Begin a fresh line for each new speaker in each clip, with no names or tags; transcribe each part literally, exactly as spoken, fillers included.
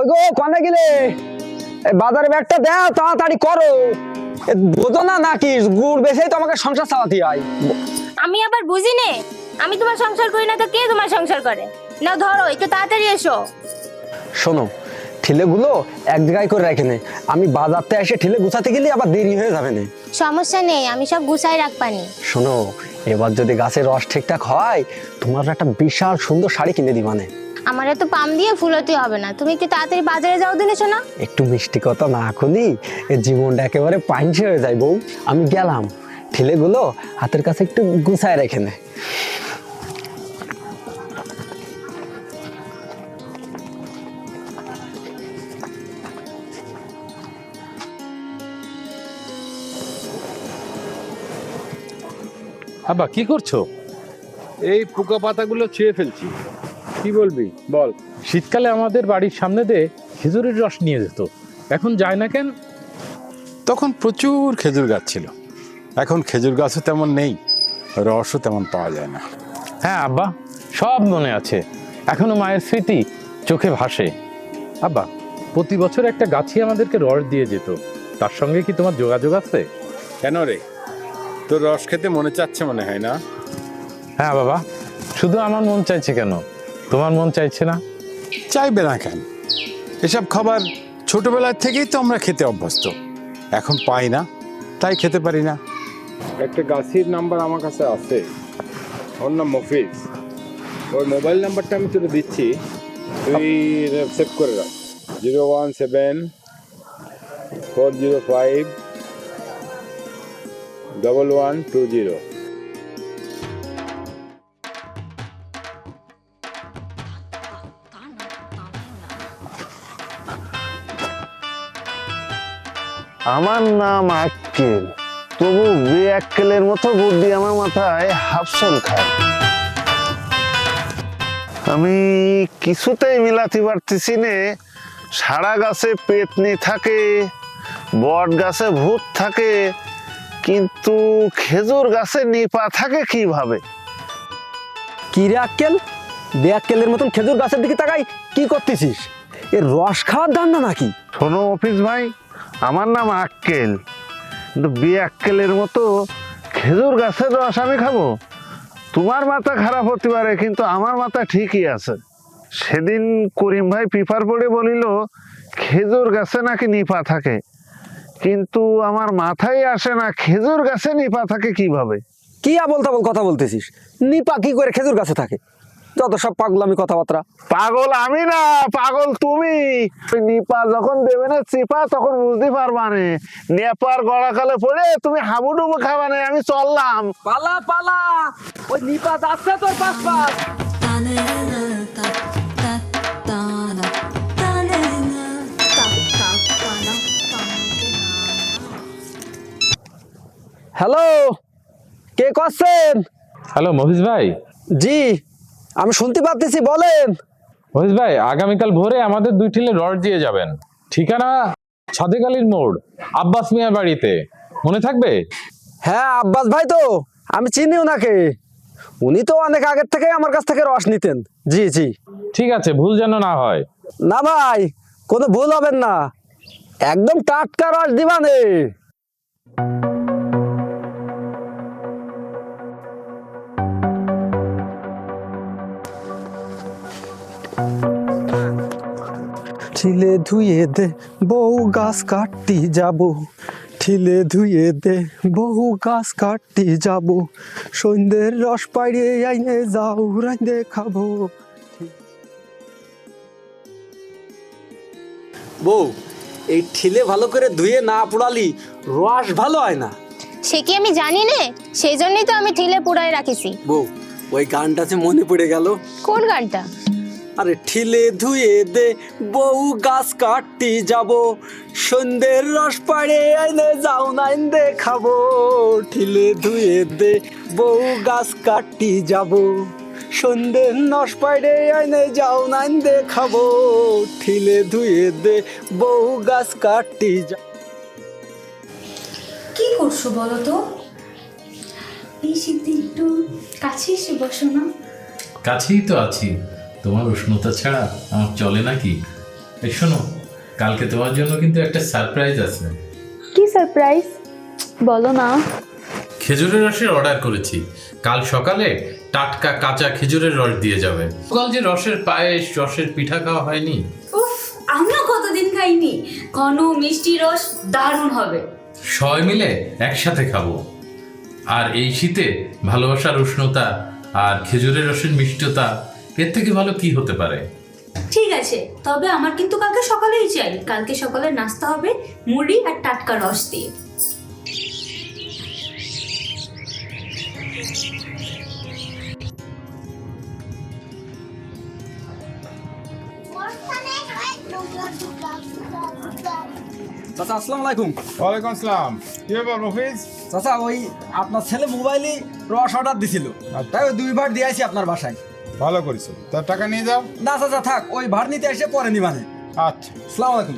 কই গো কোনে গেলে? এই বাজারে ব্যাগটা দাও, তাড়াতাড়ি করো। বোঝো না নাকি গুড় বেচেই তো আমাকে সংসার চালাতে হয়।
আমি আবার বুঝি নে, আমি তোমার সংসার করি না তো কে তোমার সংসার করে? নাও ধরো, একটু তাড়াতাড়ি এসো।
শোনো, ঠিলেগুলো এক জায়গায় করে রেখে নে, আমি বাজারতে এসে ঠিলে গুছাতে গেলে আবার দেরি হয়ে যাবে না।
সমস্যা নেই, আমি সব গুছাই রাখবানি।
শোনো, এবার যদি গাছের রস ঠিকঠাক হয় তোমার একটা বিশাল সুন্দর শাড়ি কিনে দিবানে।
আমার এত পাম দিয়ে ফুলতে হবে না, তুমি একটু তাড়াতাড়ি বাজারে যাও দিনে শোনা।
একটু মিষ্টি কথা না খুলি এ জীবনটা একেবারে পাঞ্চে হয়ে যায় বউ। আমি গেলাম, ঠিলেগুলো হাতের কাছে একটু গুছায় রেখে নে।
আব্বা কি করছো?
এই পোকা পাতাগুলো ছিঁড়ে ফেলছি। কি বলবি বল।
শীতকালে আমাদের বাড়ির সামনে দিয়ে খেজুরের রস নিয়ে যেত, এখন যায় না কেন?
তখন প্রচুর খেজুর গাছ ছিল, এখন খেজুর গাছও তেমন নেই, রসও তেমন পাওয়া যায় না।
হ্যাঁ আব্বা, সব মনে আছে, এখনো মায়ের স্মৃতি চোখে ভাসে। আব্বা, প্রতি বছর একটা গাছই আমাদেরকে রস দিয়ে যেত, তার সঙ্গে কি তোমার যোগাযোগ আছে?
কেন রে, তোর রস খেতে মনে চাচ্ছে মনে হয় না?
হ্যাঁ বাবা, শুধু আমার মন চাইছে কেন, তোমার মন চাইছে না?
চাইবে না কেন? এসব খাবার ছোটবেলার থেকেই তো আমরা খেতে অভ্যস্ত, এখন পাই না তাই খেতে পারি না। একটা গাছের নাম্বার আমার কাছে আছে, ওর নাম মফিজ। ওর মোবাইল নাম্বারটা আমি তোকে দিচ্ছি, তুই সেভ করে রাখ। Zero one seven four zero five double one two zero.
আমার নাম আক্কেল, তবু বে আক্কেলের মতো বুদ্ধি আমার মাথায় হাফসল খায়। আমি কিছুতেই মিলাতে পারতেছি নে, সারা গাছে পেতনি থাকে, বট গাছে ভূত থাকে, কিন্তু খেজুর গাছে নিপা থাকে কিভাবে?
কি রে আক্কেল, বে আক্কেলের মতন খেজুর গাছের দিকে তাকাই কি করতেছিস? এর রস খাওয়ার ধান্দা নাকি?
শোনো অফিস ভাই, আমার নাম আক্কেল, কিন্তু বে আক্কেলের মতো খেজুর গাছের রস আমি খাবো? তোমার মাথা খারাপ হতে পারে, কিন্তু আমার মাথা ঠিকই আছে। সেদিন করিম ভাই পেপার পড়ে বলিল খেজুর গাছে নাকি নিপা থাকে, কিন্তু আমার মাথায় আসে না খেজুর গাছে নিপা থাকে কিভাবে।
কি আবল তাবল কথা বলতেছিস? নিপা কি করে খেজুর গাছে থাকে? যত সব পাগলামি কথাবার্তা।
পাগল আমি না, পাগল তুমি। ওই নিপা যখন দেবে না চিপা তখন বুঝতে পারবা নে, নেপার গড়াকালে পড়ে তুমি হাবুডুবু খাবা নে। আমি চললাম।
পালা পালা, ওই নিপা যাচ্ছে তোর পাশ পাশ। হ্যালো, কে করছেন?
হ্যালো মহিষ ভাই।
জি, আমি শুনতে পাচ্ছি, বলেন।
মহিষ ভাই, আগামীকাল ভোরে আমাদের দুই ঠিলে রস দিয়ে যাবেন, ঠিকানা সাদেক আলীর মোড়, আব্বাস মিয়ার বাড়িতে, মনে থাকবে?
হ্যাঁ আব্বাস ভাই তো, আমি চিনি ওনাকে, উনি তো অনেক আগের থেকে আমার কাছ থেকে রস নিতেন। জি জি,
ঠিক আছে, ভুল যেন না হয়।
না ভাই, কোনো ভুল হবেন না, একদম টাটকা রস দিবানে। ঠিলে ধুয়ে দে বউ গাছ কাটতি যাব, ঠিলে ধুয়ে দে বহু গাছ কাটতি যাব, সন্ধ্যের রস পাইরে আইনে যাও রাইন্দে খাবো। বউ, এই ঠিলে ভালো করে ধুয়ে না পোড়ালি রস ভালো হয় না।
সে কি আমি জানি নে, সেই জন্যই তো আমি ঠিলে পুড়াই রাখিছি।
বউ, ওই গানটা যে মনে পড়ে গেল।
কোন গানটা?
আরে ঠিলে ধুয়ে দে বউ গাছ কাটতি যাব, সন্ধ্যের রস পাড়ে আইনে যাও নাইন্দে খাবো, ঠিলে ধুয়ে দে বউ গাছ কাটতি যাব, সন্ধ্যের রস পাড়ে আইনে যাও নাইন্দে খাবো, ঠিলে ধুয়ে দে বউ গাছ কাটতি যাব।
কি করছো বলো তো? এই শীতে একটু কাছে এসে বসো না।
কাছেই তো আছি, তোমার উষ্ণতা ছাড়া আমার চলে নাকি?
এই শোনো, কালকে তোমার জন্য কিন্তু একটা সারপ্রাইজ আছে।
কি সারপ্রাইজ বলো না।
খেজুরের রসের অর্ডার করেছি, কাল সকালে টাটকা কাঁচা খেজুরের রস দিয়ে যাবে। কাল যে রসের পায়েস, রসের পিঠা খাওয়া হয়নি।
উফ, আমিও কতদিন খাইনি। ঘন মিষ্টি রস দারুণ হবে।
সবাই মিলে একসাথে খাবো। আর এই শীতে ভালোবাসার উষ্ণতা আর খেজুরের রসের মিষ্টতা, এর থেকে ভালো কি হতে পারে?
ঠিক আছে, তবে আমার কিন্তু কালকে সকালেই চাই। কালকে সকালে নাস্তা হবে মুড়ি আর টাটকা রস দিয়ে।
চাচা আসসালামু আলাইকুম।
ওয়ালাইকুম আসসালাম। কি ব্যাপার মফিজ?
চাচা ওই আপনার ছেলে মোবাইলে রস অর্ডার দিছিল, তাই ওই দুইবার দিয়ে আসি আপনার বাসায়।
ভালো করেছো, তার টাকা নিয়ে যাও।
না চাচা থাক, ওই ভাড় নিতে এসে পরে নিবানে।
আচ্ছা।
আসসালামু আলাইকুম।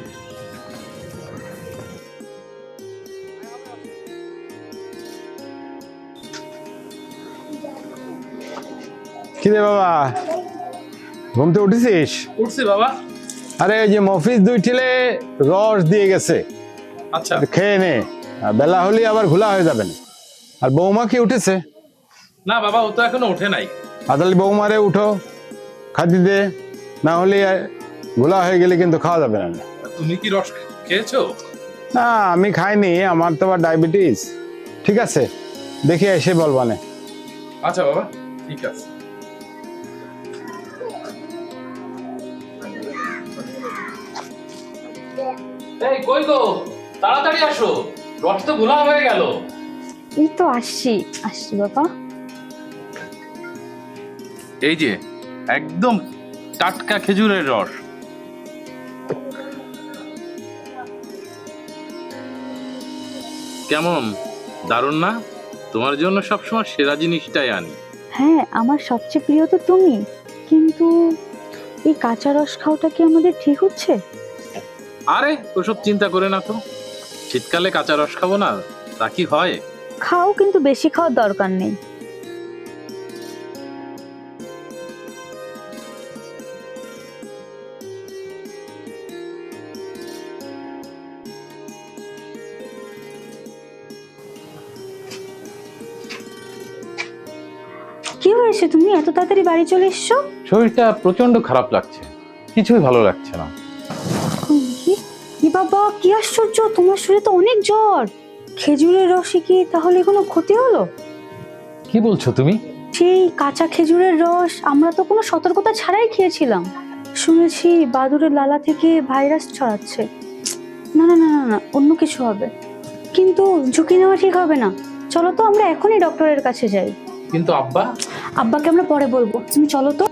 কি রে বাবা, ঘুমতে উঠেছিস?
উঠছি বাবা।
আরে ওই যে মফিজ দুই ঠিলে রস দিয়ে গেছে,
আচ্ছা
খেয়ে নে, আর বেলা হলে আবার ঘোলা হয়ে যাবে না। আর বৌমা কি উঠেছে?
না বাবা, ও তো এখনো ওঠে নাই।
আদালি বৌমারে উঠো, খাদি দে, না হলে ঘোলা হয়ে গেলে কিন্তু খাওয়া যাবে না।
তুমি কি রস খেয়েছো?
না আমি খাইনি, আমার তো আবার ডায়াবেটিস। ঠিক আছে, দেখি এসে বলবানে।
আচ্ছা বাবা, ঠিক আছে। এই কই গো, তাড়াতাড়ি আসো, রস তো ঘোলা হয়ে গেল।
এই তো আসছি আসছি বাবা।
এই যে একদম টাটকা খেজুরের রস। কেমন, দারুণ না? তোমার জন্য সবসময় সেরা জিনিসটাই আনি।
হ্যাঁ, আমার সবচেয়ে প্রিয় তো তুমি, কিন্তু এই কাঁচা রস খাওয়াটা কি আমাদের ঠিক হচ্ছে?
আরে ওসব চিন্তা করে না তো, শীতকালে কাঁচা রস খাবো না তা কি হয়?
খাও, কিন্তু বেশি খাওয়ার দরকার নেই। কি হয়েছে, তুমি এত তাড়াতাড়ি বাড়ি চলে এসছো?
শরীরটা প্রচন্ড খারাপ লাগছে, কিছুই ভালো লাগছে না।
কি কি বাবা, কি আশ্চর্য, তোমার শরীরে তো অনেক জ্বর। খেজুরের রসে কি তাহলে কোনো ক্ষতি হলো?
কি বলছো তুমি?
সেই কাঁচা খেজুরের রস আমরা তো কোনো সতর্কতা ছাড়াই খেয়েছিলাম। শুনেছি বাদুড়ের লালা থেকে ভাইরাস ছড়াচ্ছে। না না না না না, অন্য কিছু হবে। কিন্তু ঝুঁকি নেওয়া ঠিক হবে না। চলো তো আমরা এখনই ডক্টরের কাছে যাই।
কিন্তু আব্বা?
আব্বাকে আমরা পরে বলবো, তুমি চলো তো।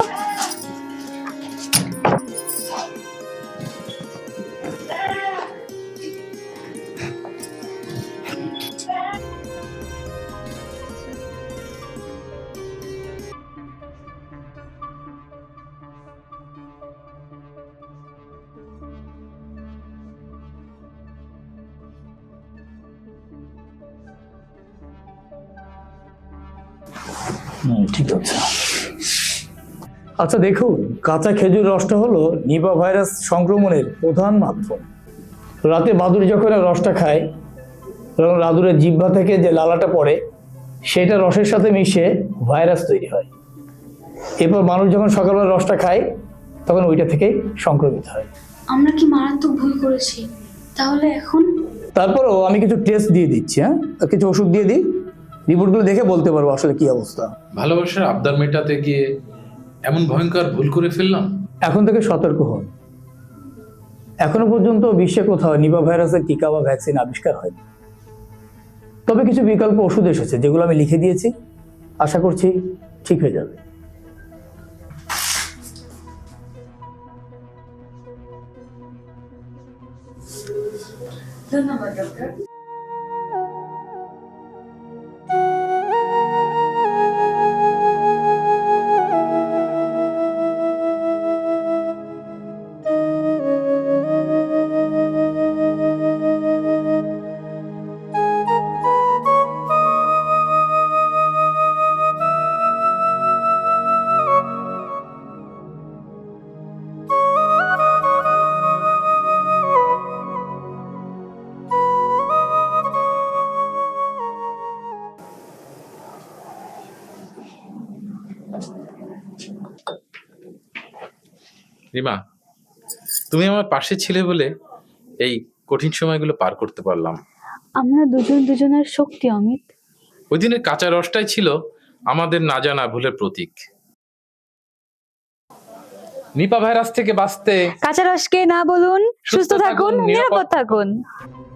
ঠিক আছে। আচ্ছা দেখুন, কাঁচা খেজুর রসটা হলো নিপা ভাইরাস সংক্রমণের প্রধান মাধ্যম। রাতে বাদুড় যখন রসটা খায়, তখন বাদুড়ের জিহ্বা থেকে যে লালাটা পড়ে সেটা রসের সাথে মিশে ভাইরাস তৈরি হয়। এরপর মানুষ যখন সকালবেলা রসটা খায় তখন ওইটা থেকে সংক্রমিত হয়।
আমরা কি মারাত্মক ভুল করেছি? তাহলে এখন
তারপরও আমি কিছু টেস্ট দিয়ে দিচ্ছি, হ্যাঁ, আর কিছু ওষুধ দিয়ে দিই, রিপোর্টগুলো দেখে বলতে পারবো আসলে কি অবস্থা।
ভালোবাসার আবদার মেটাতে গিয়ে এমন ভয়ঙ্কর ভুল করে ফেললাম।
এখন থেকে সতর্ক হন। এখনো পর্যন্ত বিশ্বে কোথাও নিপা ভাইরাসের টিকা বা ভ্যাকসিন আবিষ্কার হয়নি। তবে কিছু বিকল্প ওষুধ এসেছে যেগুলো আমি লিখে দিয়েছি, আশা করছি ঠিক হয়ে যাবে।
ধন্যবাদ ডক্টর।
রিমা, তুমি আমার পাশে ছিলে বলে এই কঠিন সময়গুলো পার করতে পারলাম।
আমরা দুজন দুজনের শক্তি অমিত।
ওই দিনের কাঁচা রসটাই ছিল আমাদের না জানা ভুলের প্রতীক। নিপা ভাইরাস থেকে বাঁচতে
কাঁচা রসকে না বলুন, সুস্থ থাকুন, নিরাপদ থাকুন।